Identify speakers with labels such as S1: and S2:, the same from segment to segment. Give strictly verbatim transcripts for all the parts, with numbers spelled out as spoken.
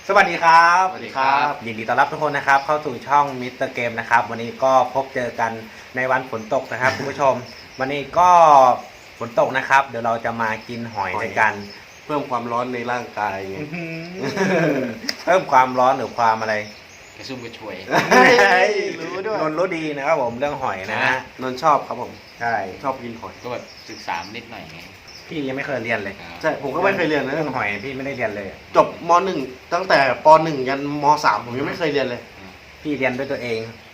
S1: สวัสดีครับ
S2: สวัสดีครับ
S1: ยินดีต้อนรับทุกคนนะครับเข้าสู่ช่องมิสเตอร์เกมนะครับวันนี้ก็พบเจอกันในวันฝนตกนะครับคุณผู้ชม วันนี้ก็ฝนตกนะครับเดี๋ยวเราจะมากินหอยด้วยกัน
S2: เพิ่มความร้อนในร่างกายไง
S1: เพิ่มความร้อนหรือความอะไร
S3: กระซุ่มกระชวย
S2: รู้ด้วย
S1: นนท์รู้ดีนะครับผมเรื่องหอยนะฮะ
S2: นนท์ชอบครับผม
S1: ใช่
S2: ชอบกินหอย
S3: ก็แบบศึกษานิดหน่อยไง
S1: พี่ยังไม่เคยเรียนเลย
S2: ใช่ผมก็ไม่เคยเรียนนะ
S1: เรื่องหอยพี่ไม่ได้เรียนเลย
S2: จบมหนึ่งตั้งแต่ปหนึ่งยันมสามผมยังไม่เคยเรียนเลย
S1: พี่เรียนด้วยตัวเอง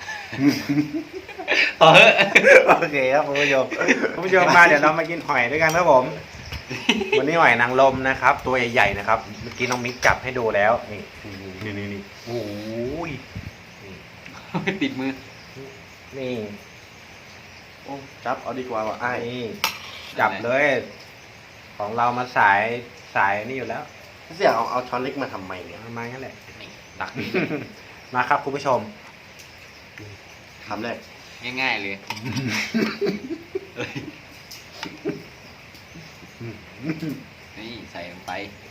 S3: ต่อเถอะ
S1: โอเคครับคุณผู้ชมคุณผู้ชมมาเดี๋ยวเรามากินหอยด้วยกันครับผม วันนี้หอยนางรมนะครับ ตัวใหญ่ๆนะครับเมื่อกี้น้องมิกจับให้ดูแล้วนี่นี่นี่นี่โอ้ย
S3: ติดมือ
S1: นี่
S2: โอ้จับเอาดีกว่าว่ะไอ้าย
S1: นี่จับเลย ของเรามาสายสายนี่อยู่แล้ว
S2: เสี่ยเอาเอาช้อนเล็กมาทำไมเนี่ย
S1: ประมาณนั้นแหละ
S3: นี่ดักนี้
S1: มาครับคุณผู้ชม
S2: ทำแรก
S3: ง่ายๆเลย นี่ใส่ลงไป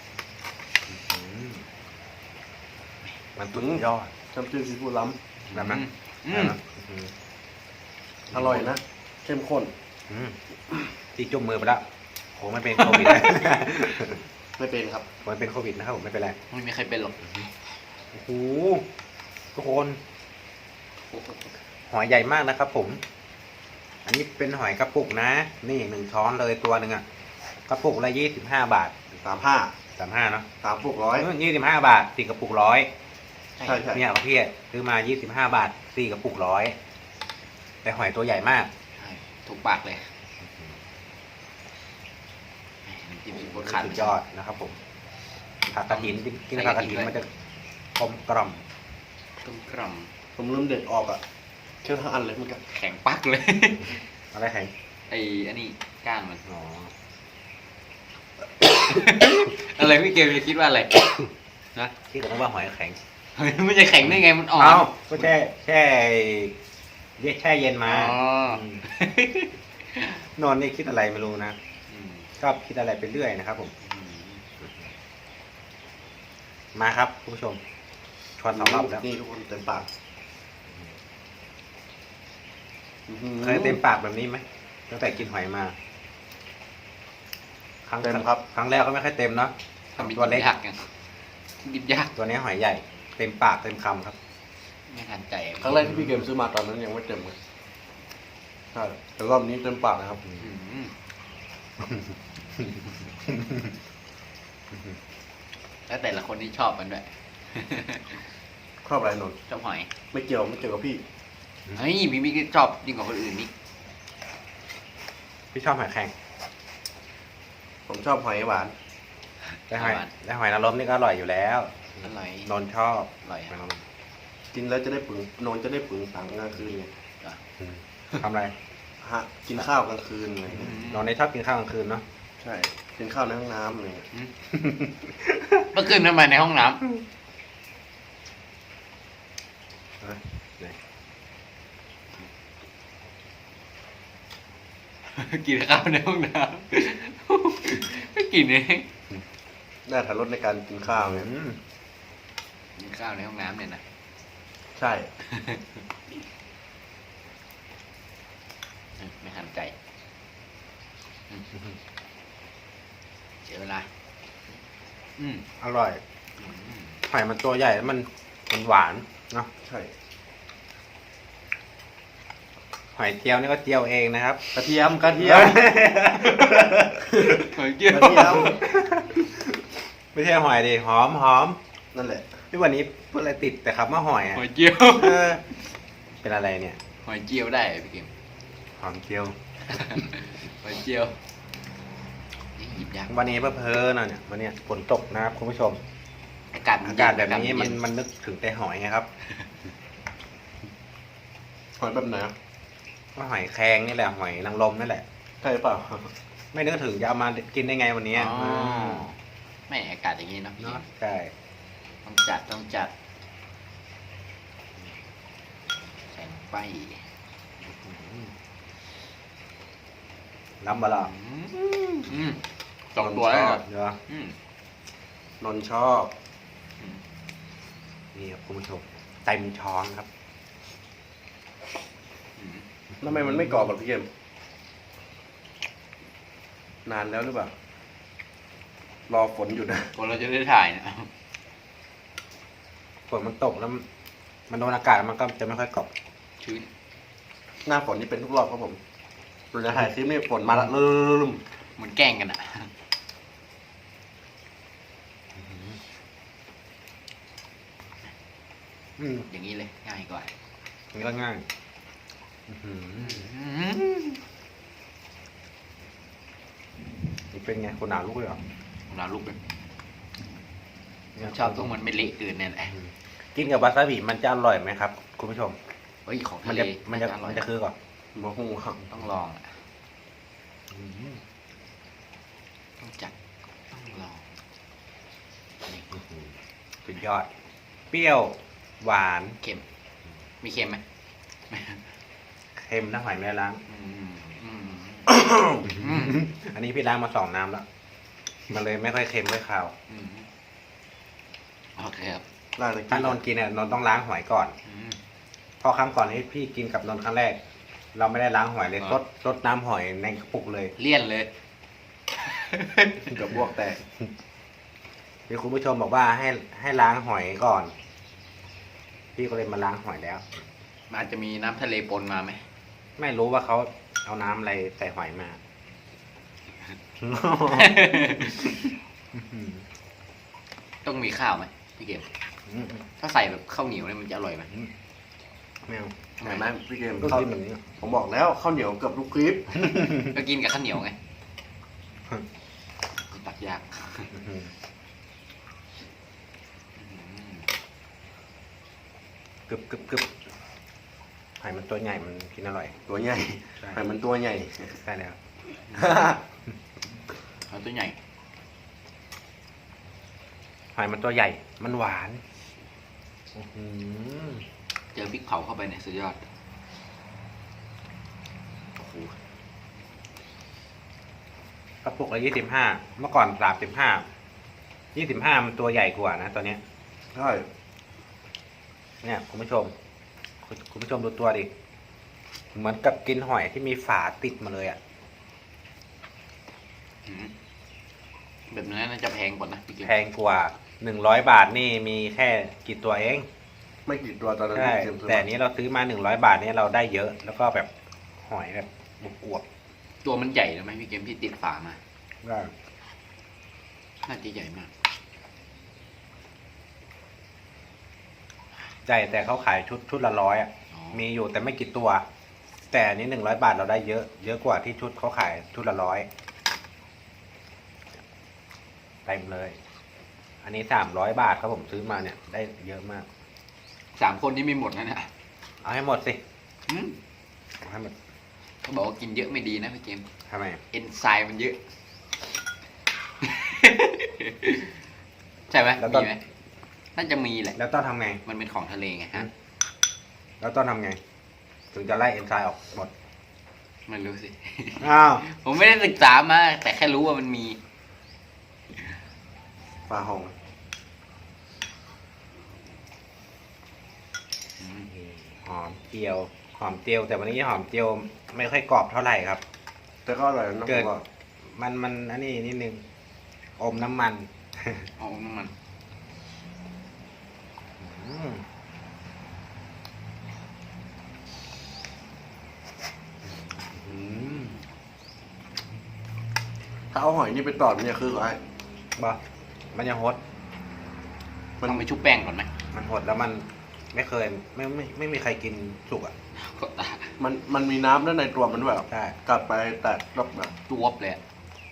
S1: มันสุดยอด
S2: น้ำจิ้มซีฟู้ดล้
S1: แบบนั้น
S3: อืม
S1: อืม
S2: ำอร่อยนะเข้มข้น
S1: อืมตีจุ่มมือไปแล้วโหมันเป็นโควิด
S2: ไม่เป็นครับ
S1: มันเป็นโควิดนะครับผมไม่เป็นไร
S3: ไม่มีใครเป็นหรอก
S1: โอ้โหทุกคนหอยใหญ่มากนะครับผม อันนี้เป็นหอยกระปุกนะ นี่หนึ่งช้อนเลยตัวหนึ่งอะกระปุกละยี่สิบห้าบาท
S2: สามห้า
S1: สามห้าเนาะ
S2: สามปุกร้อย
S1: ยี่สิบห้าบาทสี่กระปุกร้อย
S2: ใช่ใช่
S1: เนี่ยพี่ซื้อมายี่สิบห้าบาทสี่กระปุกร้อยแต่หอยตัวใหญ่มาก
S3: ใช่ถูกปากเลยน้ำจิ้มซีฟู้ดขาด
S1: สุดยอดนะครับผมผักกระถินกินผักกระถินมันจะกลมกล่อม
S3: ต้มกล่อม
S2: ผมลืมเด็ดออกอ่ะเคี่ยวทั้งอันเลยมันก็
S3: แข็งปักเลย
S1: อะไรแข็ง
S3: ไอ้อันนี้ก้านมัน
S1: อ๋อ
S3: อะไรพี่เกมจะคิดว่าอะไร นะ
S1: ที่ผมว่าหอยแข็ง
S3: เฮ้ยมันจะแข็งได้ไงมันอ่อน
S1: เอ้าก็แช่แช่เรียกแช่เย็นมา
S3: อ๋อ
S1: มนอนนี่คิดอะไรไม่รู้นะ
S3: อืม
S1: ชอบคิดอะไรไปเรื่อยนะครับผม
S3: อืม
S1: มาครับคุณผู้ชมชวนสองรอบแล้ว
S2: นี่ทุกคนเต็มปากอื้อหือ
S1: เคยเต็มปากแบบนี้ไหมตั้งแต่กินหอยมา ครั้ง
S2: เต็มครับ
S1: ครั้งแรกก็ไม่ค่อยเต็มเนาะ
S3: ทำ
S1: ตัวเล็ก
S3: ยากไงดิบยาก
S1: ตัวนี้หอยใหญ่ เต็มปากเต็มคำครับ
S3: ไม่ทันใจ
S2: ครั้งแรกที่พี่เกมซื้อมาตอนนั้นยังไม่เต็มเลยใช่แต่รอบนี้เต็มปากนะครับ
S3: อืมแล้วแต่ละคนที่ชอบมันด้วย
S2: ชอบอะไรนนท์
S3: ชอบหอย
S2: ไม่เกี่ยวไม่เกี่ยวกับพี่
S3: เฮ้ยพี่มิกชอบยิ่งกว่าคนอื่นนี่
S1: พี่ชอบหอยแข็ง
S2: ผมชอบหอยหวาน
S1: แต่หอยแต่หอยนางรมนี่ก็อร่อยอยู่แล้ว
S3: อร่อย
S1: นนท์ชอบ
S3: อร่อย
S1: หอย
S3: อะ
S1: นางรม
S2: กินแล้วจะได้ปึงนอนจะได้ปึงสังกลางคืนไง
S1: อืมทำอะไร
S2: ฮะกินข้าวกลางคืนไง
S3: อืม
S1: นอนในชอบกินข้าวกลางคืนเนาะ
S2: ใช่กินข้าวในห้องน้ำอะไรเงี้ย
S3: อืมเมื่อคืนทำไมในห้องน้ำ กินข้าวในห้องน้ำไม่กินเอง
S2: ได้ถ่ายรถในการกินข้าวไง
S1: อืม
S3: กินข้าวในห้องน้ำเนี่ยนะ
S2: ใช่
S3: ไม่ทันใจอืมเสียเวลาอืม
S1: อร่อย
S3: อืม
S1: หอยมันตัวใหญ่แล้วมันมันหวานเนาะ
S2: ใช่
S1: หอยเจียวนี่ก็เจียวเองนะครับ
S2: กระเทียมกระเทียม
S3: หอยเกี้ยว
S2: กระเทียม
S1: ไม่ใช่หอยดิหอมหอม
S2: นั่นแหละ
S1: ที่วันนี้เพื่ออะไรติดแต่คำว่าหอยอะ
S3: หอยเจียว
S1: เออเป็นอะไรเนี่ย
S3: หอยเจียวได้พี่เกม
S1: หอมเจียว
S3: หอยเจียวนี่หยิบยาก
S1: วันนี้เพื่อเพอๆหน่อยเนี่ยวันเนี้ยฝนตกนะครับคุณผู้ชม
S3: อากาศ
S1: อากาศแบบนี้
S3: เย็
S1: มันมันนึกถึงแต่หอยไงครับ
S2: หอยแบบไหนอะ
S1: ก็หอยแครงนี่แหละหอยนางรมนี่แหละ
S2: ใช่เปล่า
S1: ไม่นึกถึงจะเอามากินได้ไงวันนี้
S3: อ๋อ
S1: ม
S3: ไม่อากาศอย่างนี้เนอะพี่
S1: เนาะใช่
S3: ต้องจัดต้องจัดใส่ลงไป
S1: น้ำบะหล่อ
S3: อืมสองตัวแล้วเหรอ
S1: เดี๋ยว
S3: อืม
S2: นนท์ชอบ
S3: อืม
S1: นี่ครับคุณผู้ชมเต็มช้อนครับ
S3: อืม
S2: ทำไมมันไม่กรอบแบบพี่เกมนานแล้วหรือเปล่า รอฝนอยู่นะ
S3: ก่อนเราจะได้ถ่ายเนะ
S1: ฝนมันตกแล้วมันมันโดนอากาศมันก็จะไม่ค่อยกรอบ
S3: ชื้น
S2: หน้าฝนนี่เป็นทุกรอบครับผมเราจะถ่ายคลิปนี่ฝนมาละลืม
S3: เหมือนแกล้งกันอ่ะ
S1: อืม
S3: อย่างนี้เลยง่ายกว่า
S1: มันก็ง่ายอื้อหือ
S3: อืม
S1: นี่เป็นไงคนหนาลูกเลยเหรอ
S3: ผมเอาลูกเลย
S1: เนี่ย
S3: ชอบตรงมันไม่เละเกินเนี่ยแหละ
S1: อืมกินกับวาซาบิมันจะอร่อยไหมครับ คุณผู้ชม
S3: เฮ้ยของ
S1: มั
S3: ทะ
S1: น
S3: เล
S1: จะมันจะ
S3: อร่อ
S1: มั
S3: ย
S1: นจะคือก่อน
S2: ๆมาหูครับ
S3: ต้องลองอะต้องจัดต้องลองนี่
S1: สุดยอด เปรี้ยวหวาน
S3: เค็มมีเค็มไหม
S1: เค็มน้ำหอยแม่ล้าง
S3: อืมอืม
S1: อันนี้พี่ล้างมาสองน้ำแล้ว มันเลยไม่ค่อยเค็มไม่คาว
S3: อืมโอเคครับ
S2: ได้เลย
S1: ถ้านนท์กินเนี่ยนนท์ต้องล้างหอยก่อน
S3: อืม
S1: เพราะครั้งก่อนที่พี่กินกับนนท์ครั้งแรก เราไม่ได้ล้างหอยเลย
S3: อ่า
S1: ซดซดน้ำหอยในกระปุกเลย
S3: เลี่ยนเลย
S2: กับบวกแตก
S1: มีคุณผู้ชมบอกว่าให้ให้ล้างหอยก่อน พี่ก็เลยมาล้างหอยแล้ว
S3: มันอาจจะมีน้ำทะเลปนมาไหม
S1: ไม่รู้ว่าเขาเอาน้ำอะไรใส่หอยมา
S3: ต้องมีข้าวไหมพี่เกมถ้าใส่แบบข้าวเหนียวเนี่ยมันจะอร่อยไหม
S1: แมว
S3: ทำไม
S2: เห็นไหมพี่เกม
S1: ก็
S2: เขา
S1: กินแบบนี้
S2: ผมบอกแล้วข้าวเหนียวเกับทุกคลิป
S3: ก็กินกับข้าวเหนียวไงตักยาก
S1: กึบกึบกึบหอยมันตัวใหญ่มันกินอร่อย
S2: ตัวใหญ่
S1: ใช่
S2: แต่มันตัวใหญ่
S1: ใช่แล้ว
S3: เอาตัวใหญ่
S1: หอยมันตัวใหญ่ มันหวานอื้อหือ
S3: เจอพริกเผาเข้าไปเนี่ยสุดยอด
S1: โอ้โหกระปุกละยี่สิบห้าเมื่อก่อนสามสิบห้ายี่สิบห้ามันตัวใหญ่กว่านะตัวเนี้ย
S2: ใช่
S1: เนี่ยคุณผู้ชม คุณคุณผู้ชมดูตัวดิ เหมือนกับกินหอยที่มีฝาติดมาเลยอ่ะ
S3: อืมแบบนั้นน่าจะแพงกว่านะพี่เกม
S1: แพงกว่าหนึ่งร้อยบาทนี่มีแค่กี่ตัวเอง
S2: ไม่กี่ตัวตอนนั้น
S1: ใช่
S2: พี่เกมซื้อ
S1: แต่
S2: มา
S1: อันนี้เราซื้อมาหนึ่งร้อยบาทเนี่ยเราได้เยอะ แล้วก็แบบหอยแบบอวบ
S3: ตัวมันใหญ่นะไหมพี่เกมที่ติดฝามา
S1: ๆได้
S3: น่าจะใหญ่มาก
S1: ใช่แต่เขาขายชุดชุดละร้อยอ่ะ
S3: อ๋อ
S1: มีอยู่แต่ไม่กี่ตัว แต่อันนี้หนึ่งร้อยบาทเราได้เยอะ เยอะกว่าที่ชุดเขาขายชุดละร้อยเต็มเลย อันนี้สามร้อยบาทครับผมซื้อมาเนี่ยได้เยอะมาก
S3: สามคนนี่ไม่หมดนะเนี่ย
S1: เอาให้หมดสิ
S3: อืม
S1: เอาให้หมด
S3: เขาบอกว่ากินเยอะไม่ดีนะพี่เกม
S1: ทำไม
S3: เอนไซม์มันเยอะ ใช่ไหม
S1: แล้วต้
S3: มี
S1: น
S3: ไหมน่าจะมีแหละ
S1: แล้วต้องทำไง
S3: มันเป็นของทะเลไงฮะ
S1: แล้วต้องทำไง ถึงจะไล่เอนไซม์ออกหมด
S3: ไม่รู้สิ
S1: อ้าว
S3: ผมไม่ได้ศึกษามา แต่แค่รู้ว่ามันมี
S2: ปลาหอง
S1: หอมเจียว หอมเจียว แต่วันนี้หอมเจียวไม่ค่อยกรอบเท่าไหร่ครับ
S2: แต่ก็อร่อยนะผ
S1: เกิด
S2: มว่า
S1: มันมันอันนี้นิดนึง อมน้ำมัน
S3: เอาน้ำมัน
S1: อืม อืม
S2: ถ้าเอาหอยนี่ไปตอดเนี่ยคืออะไร
S1: บ่มันยังหด
S2: มัน
S3: ต้องไปชุบแป้งก่อนไหม
S1: มันหดแล้วมันไม่เคยไม่ไม่ไม่มีใครกินสุกอ่ะ
S3: ก็ตา
S2: มันมันมีน้ำด้านในตัวมันด้วยเหรอ
S1: ใช่
S2: กัดไปแตกรอบแบบ
S3: ตัวบเลยอะ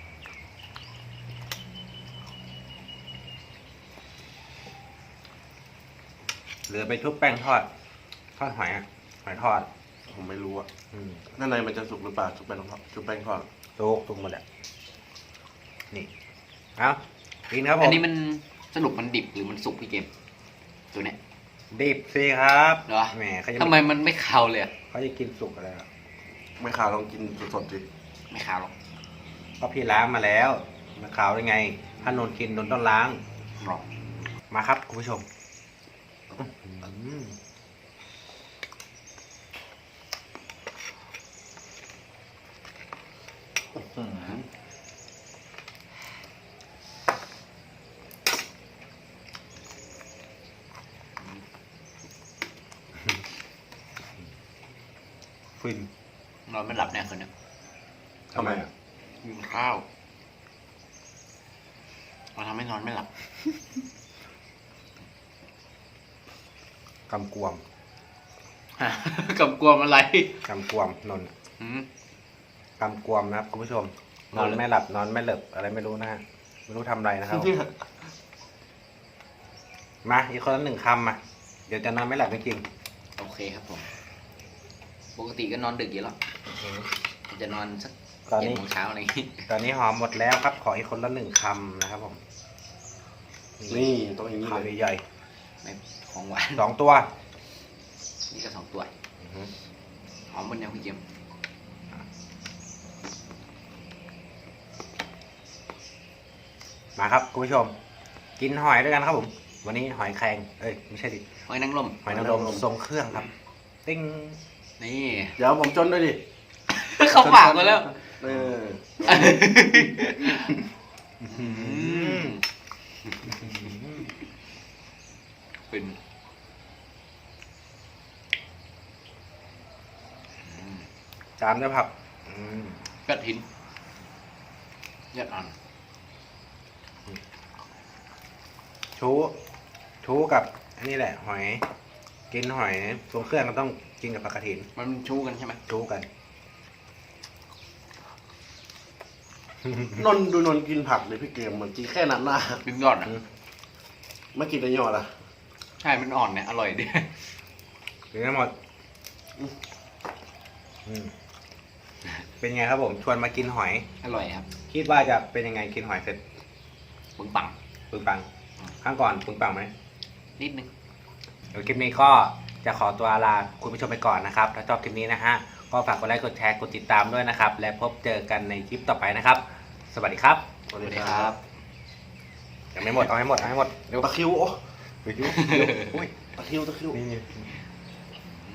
S1: หรือไปชุบแป้งทอด ทอดหอยอ่ะ หอยทอด
S2: ผมไม่รู้อะ
S1: อืม
S2: ด้านในมันจะสุกหรือเปล่าชุบแป้งทอดชุบแป้งทอด
S1: สุกสุกหมดอ่ะ นี่ เอากินครับผม
S3: อันนี้มันสรุปมันดิบหรือมันสุกพี่เกม ตัวเนี้ย
S1: ดิบสิครับ
S3: เหรอ
S1: แหมเขาจะ
S3: ทำไมมันไม่คาวเลยอะ
S1: เขาจะกินสุกอะไรอ่ะ
S2: ไม่ขาวลองกินสดๆดิ
S3: ไม่คาวหรอก
S1: ก็พี่ล้างมาแล้วมาขาวได้ไง ถ้านนท์กินนนท์ต้องล้าง
S3: หรอก
S1: มาครับคุณผู้ชมอืม
S2: อืม
S1: ฟิน
S3: นอนไม่หลับแน่คืนนี้
S2: ทำไมอ่ะ
S3: กินข้าวมันทำให้นอนไม่หลับ
S1: กำกวม
S3: กับกลัวมอะไร
S1: กำกวมนนท์
S3: อืม
S1: กำกวมนะครับคุณผู้ชม น
S3: น
S1: อ
S3: อน นเลย
S1: ไม่หลับนอนไม่เหลิบอะไรไม่รู้นะฮะไม่รู้ทำอะไรนะครับ มาอีกคนละหนึ่งคำมาเดี๋ยวจะนอนไม่หลับจริง
S3: โอเคครับผม ปกติก็นอนดึกอยู่แล้ว
S1: ๆ
S3: จะนอนสัก
S1: ตอน
S3: เจ็ด
S1: นี้
S3: โมงเช้าอะไรอย่างงี้
S1: ตอนนี้หอมหมดแล้วครับ ขออีกคนละหนึ่งคำนะครับผม
S2: นี่ต้องอย่างนี้เลย
S1: คำใหญ่
S3: ไม่ของหวาน
S1: ๆสองตัว
S3: นี่ก็สองตัว
S1: อือฮึ
S3: หอมบนยังพี่เกม
S1: มาครับคุณผู้ชม กินหอยด้วยกันครับผม วันนี้หอยแครงเอ้ยไม่ใช่ดิ
S3: หอยนางรม
S1: หอยนางรมทรงเครื่องครับ ติ้ง
S3: นี่
S2: เดี๋ยวผมจนด้วยดิ
S3: เข้าปากมาแล้ว
S2: เออ
S3: อืมเป็น
S1: จามด้วยผักอืม
S3: กระถินยอดอ่อน
S1: ชูชูกับอันนี้แหละ หอย กินหอยทรงเครื่องก็ต้องกินกับผักกระถิน
S3: มันชูกันใช่ไหม
S1: ชูกัน
S2: นนท์ดูนนท์กินผักเลยพี่เกมเหมือนกินแค่นั้นนะ
S3: เป็นยอดอ่ะ
S2: ไม่กินแต่ยอดอ่ะ
S3: ใช่ มันอ่อนเนี่ย อร่อยดี
S1: กินทั้งหมดอืมเป็นไงครับผม ชวนมากินหอย
S3: อร่อยครับ
S1: คิดว่าจะเป็นยังไงกินหอยเสร็จ
S3: ปึงปัง
S1: ปึงปังข้างก่อนปึงปังไหม
S3: นิดนึง
S1: เดี๋ยวคลิปนี้ก็จะขอตัวลาคุณผู้ชมไปก่อนนะครับ ถ้าชอบคลิปนี้นะฮะ ก็ฝากกดไลค์ กดแชร์ กดติดตามด้วยนะครับ และพบเจอกันในคลิปต่อไปนะครับ สวัสดีครับ
S2: สวัส
S3: สวัส
S2: ดี
S3: ดี
S2: ค
S3: ค
S2: รั
S3: รั
S2: บบ
S1: ยังไม่หมด เอาให้หมด เอาให้หมด
S2: ตะคริวโอ้
S1: ไปยุอุ้ย
S2: ตะคริวตะคริว
S1: นี่